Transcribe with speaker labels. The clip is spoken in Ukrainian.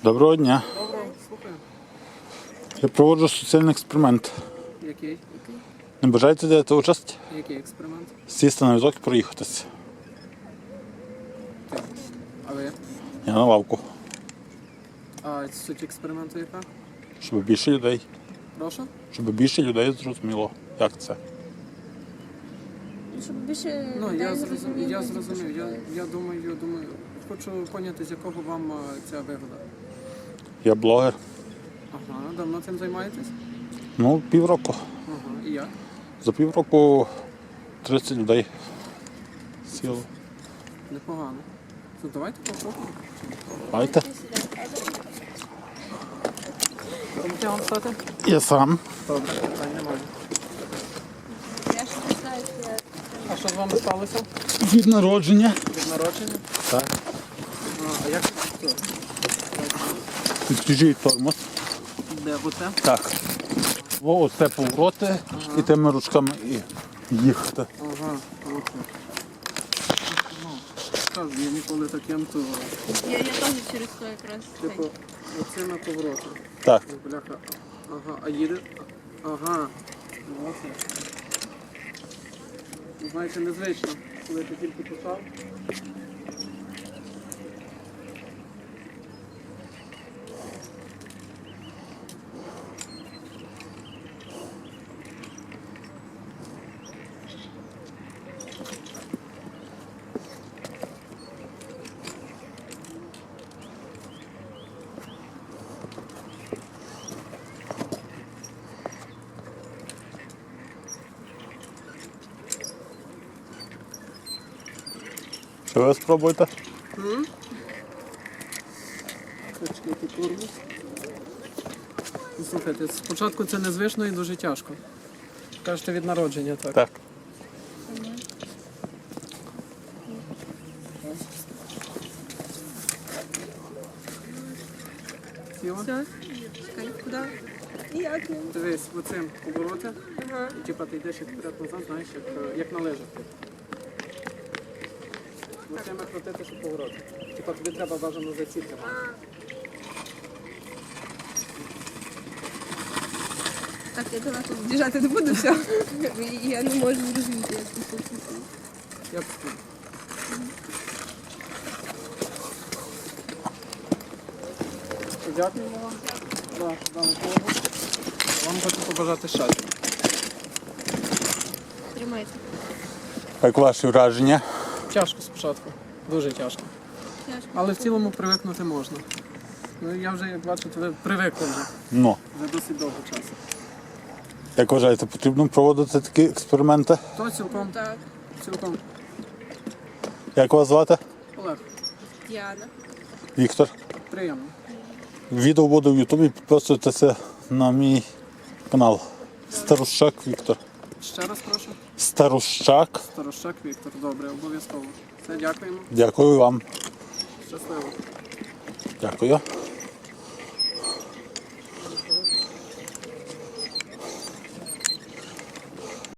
Speaker 1: Доброго дня.
Speaker 2: Добре, слухаю.
Speaker 1: Я проводжу соціальний експеримент.
Speaker 2: Який?
Speaker 1: Не бажаєте взяти участь?
Speaker 2: Який експеримент?
Speaker 1: Сісти на візок і проїхатися.
Speaker 2: Ти. А ви?
Speaker 1: Я на лавку.
Speaker 2: А суть експерименту яка?
Speaker 1: Щоб більше людей.
Speaker 2: Прошу?
Speaker 1: Щоб більше людей зрозуміло, як це.
Speaker 3: Щоб більше
Speaker 2: Ну,
Speaker 3: людей
Speaker 2: я
Speaker 3: зрозуміло,
Speaker 2: зрозумів.
Speaker 3: що
Speaker 2: Я думаю, хочу поняти, з якого вам ця вигода.
Speaker 1: Я блогер.
Speaker 2: Ага, давно цим займаєтесь?
Speaker 1: Ну, півроку.
Speaker 2: Ага, і як?
Speaker 1: За півроку 30 людей сіло.
Speaker 2: Непогано. То давайте попробуємо.
Speaker 1: Давайте.
Speaker 2: Помогти вам стати?
Speaker 1: Я сам.
Speaker 2: Добре, питань немає.
Speaker 3: Я ж не знаю, що я...
Speaker 2: А що з вами сталося?
Speaker 1: Від народження.
Speaker 2: Від народження?
Speaker 1: Так.
Speaker 2: А як це?
Speaker 1: Відключіть тормоз.
Speaker 2: Де оце?
Speaker 1: Так. Оце повороти і тими ручками і їхати.
Speaker 2: Ага, оце. Ну, кажу, я ніколи таким, то
Speaker 3: Я теж через то якраз.
Speaker 2: типу оцими поворотами.
Speaker 1: Так.
Speaker 2: Бляха. Ага, а їде? Ага. Оце. Знаєте, незвично, коли ти тільки почав.
Speaker 1: Що ви спробуєте?
Speaker 2: Почекайте тормоз. Слухайте, спочатку це незвично і дуже тяжко. Кажете, від народження, так?
Speaker 1: Так.
Speaker 2: Сіла?
Speaker 3: Все? Чекай, куди? Як не?
Speaker 2: Дивись, оцим повороти.
Speaker 3: Ага.
Speaker 2: І типа ти йдеш як вперед-назад, знаєш, як належить. Оцими крутити, щоб повороти. Типа тобі треба бажано заціпити.
Speaker 3: Так, я далеко біжати не буду, все. Я не можу зрозуміти, як це все.
Speaker 2: Я б Дякуємо вам за дану допомогу. Вам хочу побажати щастя.
Speaker 3: Тримайте.
Speaker 1: Як ваші враження?
Speaker 2: Тяжко спочатку, дуже тяжко.
Speaker 3: Тяжко.
Speaker 2: Але в цілому привикнути можна. Ну я вже, як бачите, ви привикли вже
Speaker 1: Ну.
Speaker 2: за досить довго часу.
Speaker 1: Як вважаєте, потрібно проводити такі експерименти?
Speaker 2: То цілком,
Speaker 3: Так,
Speaker 2: цілком.
Speaker 1: Як вас звати?
Speaker 2: Олег,
Speaker 3: Діана.
Speaker 1: Віктор.
Speaker 2: приємно.
Speaker 1: Відео буде в Ютубі, підписуйтеся на мій канал. Старощак Віктор.
Speaker 2: Ще раз прошу.
Speaker 1: Старощак.
Speaker 2: Старощак Віктор, добре, обов'язково. Все, дякуємо.
Speaker 1: Дякую вам.
Speaker 2: Щасливо.
Speaker 1: Дякую.